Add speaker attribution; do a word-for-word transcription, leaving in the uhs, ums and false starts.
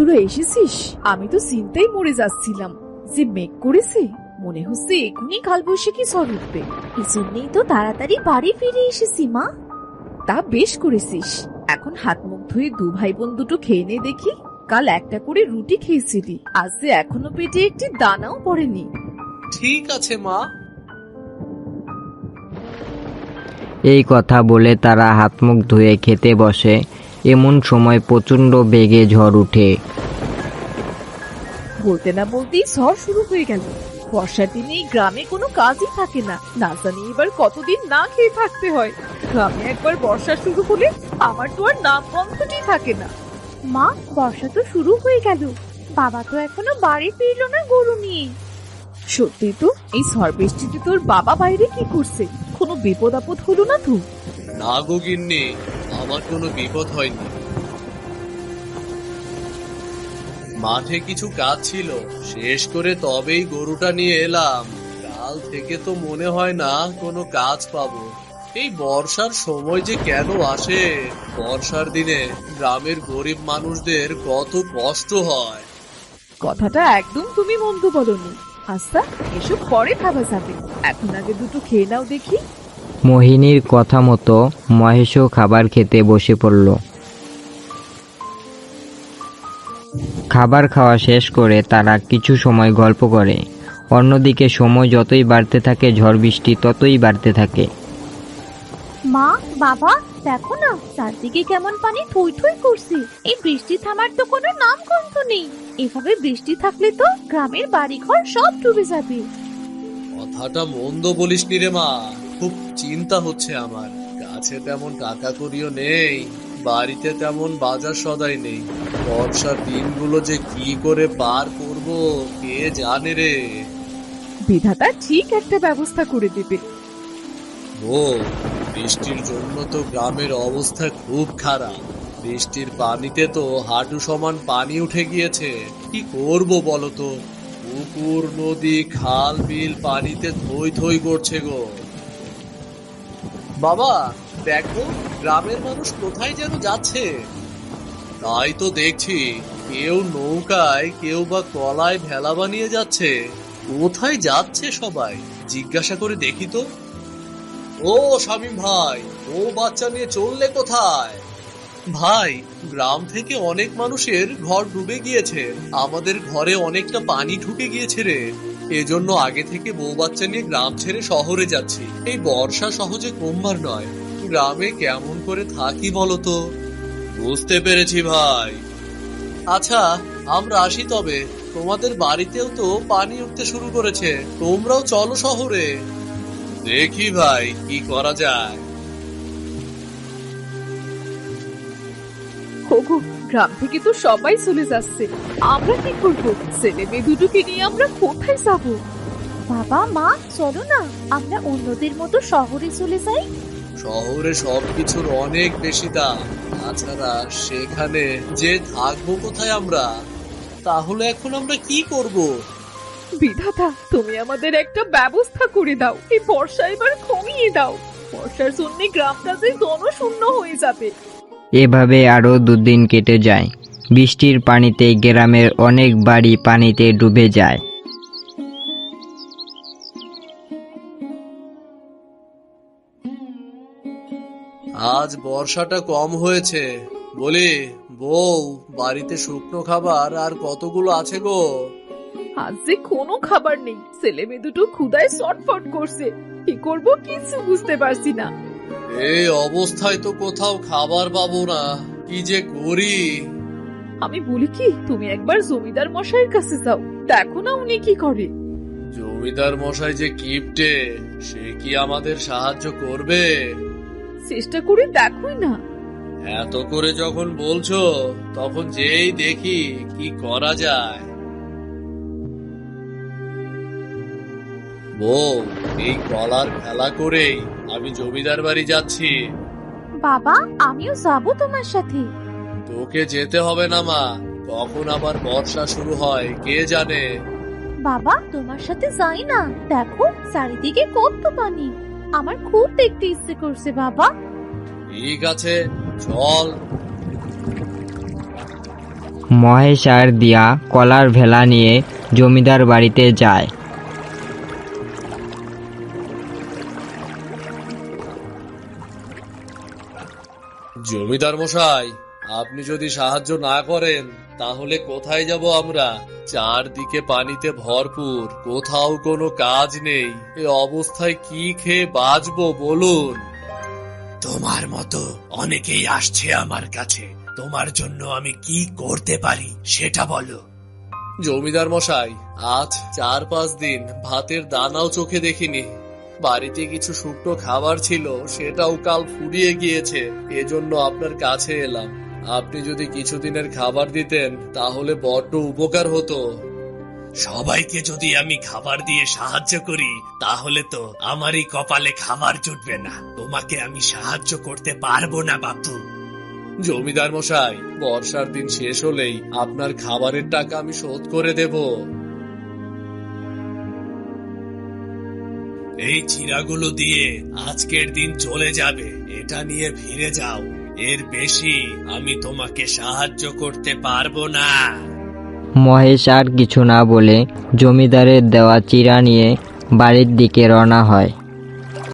Speaker 1: তোরা এসেছিস? আমি তো চিন্তায় মরে যাচ্ছিলাম। যে মেঘ করেছে, মনে হচ্ছে এখনই কালবৈশাখী ঝড় উঠবে।
Speaker 2: এজন্যই তো তাড়াতাড়ি বাড়ি ফিরে এসেছি মা।
Speaker 1: তা বেশ করেছিস। এখন হাত মুখ ধুয়ে দু ভাই বোন দুটো খেয়ে নে দেখি। কাল একটা করে রুটি খেয়েছিলি, আজ যে এখনো পেটে একটি দানাও পড়েনি।
Speaker 3: ঠিক আছে মা।
Speaker 4: এই কথা বলে তারা হাত মুখ ধুয়ে খেতে বসে। এমন সময় প্রচণ্ড বেগে ঝড় উঠে।
Speaker 1: বলতে না বলতেই ঝড় শুরু হয়ে গেল। বর্ষার দিনে এই গ্রামে কোনো কাজই থাকে না। না জানি এবার কতদিন না খেয়ে থাকতে হয়। গ্রামে একবার বর্ষা শুরু হলে আমার তো আর নাম গন্ধটি থাকে না।
Speaker 2: মা, বর্ষা তো শুরু হয়ে গেল, বাবা তো এখনো বাড়ি ফিরলো না গরু নিয়ে।
Speaker 1: সত্যি তো, এই ঝড় বৃষ্টিতে তোর বাবা বাইরে কি করছে? কোনো বিপদ আপদ হলো না তো?
Speaker 3: না গো গিন্নি, আমার কোনো বিপদ হয়নি। মাঠে কিছু কাজ ছিল, শেষ করে তবেই গরুটা নিয়ে এলাম। কাল থেকে তো মনে হয় না কোনো কাজ পাবো। এই বর্ষার সময় যে কেন আসে? বর্ষার দিনে গ্রামের গরিব মানুষদের কত কষ্ট হয়।
Speaker 1: কথাটা একদম তুমি মন্দ বলনি। আচ্ছা, এসব পরে খাওয়া যাবে, এখন আগে দুটো খেয়ে নাও দেখি।
Speaker 4: মোহিনীর কথা মতো মহেশও খাবার খেতে বসে পড়ল। খাবার খাওয়া শেষ করে তারা কিছু সময় গল্প করে। অন্যদিকে সময় যতই বাড়তে থাকে, ঝড় বৃষ্টি ততই বাড়তে থাকে।
Speaker 2: মা, বাবা, দেখো না চারদিকে কেমন পানি থই থই করছে। এই বৃষ্টি থামার তো কোনো নাম গন্ধ নেই। এভাবে বৃষ্টি থাকলে তো গ্রামের বাড়িঘর সব ডুবে যাবে।
Speaker 3: কথাটা মন্দ বলিস নি রে মা, খুব চিন্তা হচ্ছে আমার। কাছে তেমন টাকা করিও নেই, বাড়িতে তেমন বাজার সদাই নেই। বর্ষার দিনগুলো যে কি করে পার করব কে জানে রে।
Speaker 1: বিধাতা ঠিক একটা ব্যবস্থা করে দেবে।
Speaker 3: ও, বৃষ্টির জন্য তো গ্রামের অবস্থা খুব খারাপ। বৃষ্টির পানিতে তো হাঁটু সমান পানি উঠে গিয়েছে। কি করব বলো তো? পুকুর, নদী, খাল, বিল পানিতে থই থই করছে গো। বাবা, দেখো গ্রামের মানুষ কোথায় যেন যাচ্ছে। তাই তো দেখছি, কেউ নৌকায়, কেউ বা কলায় ভেলা বানিয়ে যাচ্ছে। কোথায় যাচ্ছে সবাই জিজ্ঞাসা করে দেখি তো। ও শামীম ভাই, ও বাচ্চা নিয়ে চললে কোথায়? ভাই, গ্রাম থেকে অনেক মানুষের ঘর ডুবে গিয়েছে। আমাদের ঘরে অনেকটা পানি ঢুকে গিয়েছে রে। এজন্য আগে থেকে বউ বাচ্চা নিয়ে গ্রাম ছেড়ে শহরে যাচ্ছি। এই বর্ষা সহজে কমবার নয়। গ্রামে কেমন করে থাকি বলতো? বুঝতে পেরেছি ভাই। আচ্ছা, আমরা আসি তবে। তোমাদের বাড়িতেও তো পানি উঠতে শুরু করেছে, তোমরাও চলো শহরে। দেখি ভাই কি করা যায়।
Speaker 1: ওগো, গ্রাম থেকে তো সবাই চলে যাচ্ছে, আমরা কি করব? ছেলে মেয়ে দুটোকে নিয়ে আমরা কোথায় যাব?
Speaker 2: বাবা, মা, চলো না আমরা অন্যদের মতো শহরে চলে যাই।
Speaker 3: শহরে সবকিছুর অনেক বেশি দাম। তাছাড়া সেখানে যে থাকবো কোথায় আমরা? তাহলে এখন আমরা কি করব?
Speaker 1: বিধাতা, তুমি আমাদের একটা ব্যবস্থা করে দাও। এই বর্ষা এবার কমিয়ে দাও। বর্ষার জন্য গ্রামটা যে জনশূন্য হয়ে যাবে।
Speaker 4: এভাবে আরও দুদিন কেটে যায়। বৃষ্টির পানিতে গ্রামের অনেক বাড়ি পানিতে ডুবে যায়।
Speaker 3: আজ বর্ষাটা কম হয়েছে। বলি বউ, বাড়িতে শুকনো খাবার আর কতগুলো আছে গো?
Speaker 1: আজ যে কোনো খাবার নেই, ছেলে মেয়ে দুটো ক্ষুধায় ছটফট করছে। কি করব কিছু বুঝতে পারছি না।
Speaker 3: এই অবস্থায় তো কোথাও খাবার পাবো না, কি যে করি।
Speaker 1: আমি বলি কি, তুমি একবার জমিদার মশাইয়ের কাছে যাও, দেখো না উনি কি করে।
Speaker 3: জমিদার মশাই যে কিপটে, সে কি আমাদের সাহায্য করবে?
Speaker 1: চেষ্টা করে দেখোই না।
Speaker 3: এত করে যখন বলছো, তখন যেই দেখি কি করা যায়। বউ, এই কলার খেলা করেই আমি জমিদার বাড়ি যাচ্ছি।
Speaker 2: বাবা, আমিও যাব তোমার সাথে।
Speaker 3: তোকে যেতে হবে না মা, কখন আবার বর্ষা শুরু হয় কে জানে।
Speaker 2: বাবা, তোমার সাথে যাই না, দেখো চারিদিকে কত পানি। আমার খুব দেখতে ইচ্ছে করছে বাবা।
Speaker 3: ঠিক আছে, চল।
Speaker 4: মহেশ আর দিয়া কলার ভেলা নিয়ে জমিদার বাড়িতে যায়।
Speaker 3: জমিদার মশাই, আপনি যদি সাহায্য না করেন তাহলে কোথায় যাব আমরা? চারদিকে পানিতে ভরপুর, কোথাও কোনো কাজ নেই। এ অবস্থায় কি খেয়ে বাঁচবো বলুন?
Speaker 5: তোমার মতো অনেকেই আসছে আমার কাছে, তোমার জন্য আমি কি করতে পারি সেটা বলো।
Speaker 3: জমিদার মশাই, আজ চার পাঁচ দিন ভাতের দানাও চোখে দেখিনি। বাড়িতে কিছু শুকনো খাবার ছিল, সেটাও কাল ফুরিয়ে গিয়েছে। এজন্য আপনার কাছে এলাম। আপনি যদি কিছুদিনের খাবার দিতেন তাহলে বড্ড উপকার হতো।
Speaker 5: সবাইকে যদি আমি খাবার দিয়ে সাহায্য করি তাহলে তো আমারই কপালে খাবার জুটবে না। তোমাকে আমি সাহায্য করতে পারবো না বাপু।
Speaker 3: জমিদার মশাই, বর্ষার দিন শেষ হলেই আপনার খাবারের টাকা আমি শোধ করে দেব।
Speaker 5: এই চিরাগুলো দিয়ে আজকের দিন চলে যাবে, এটা নিয়ে ফিরে যাও। এর বেশি আমি তোমাকে সাহায্য করতে পারবো না।
Speaker 4: মহেশ আর কিছু না বলে জমিদারের দেওয়া চিরা নিয়ে বাড়ির দিকে রওনা হয়।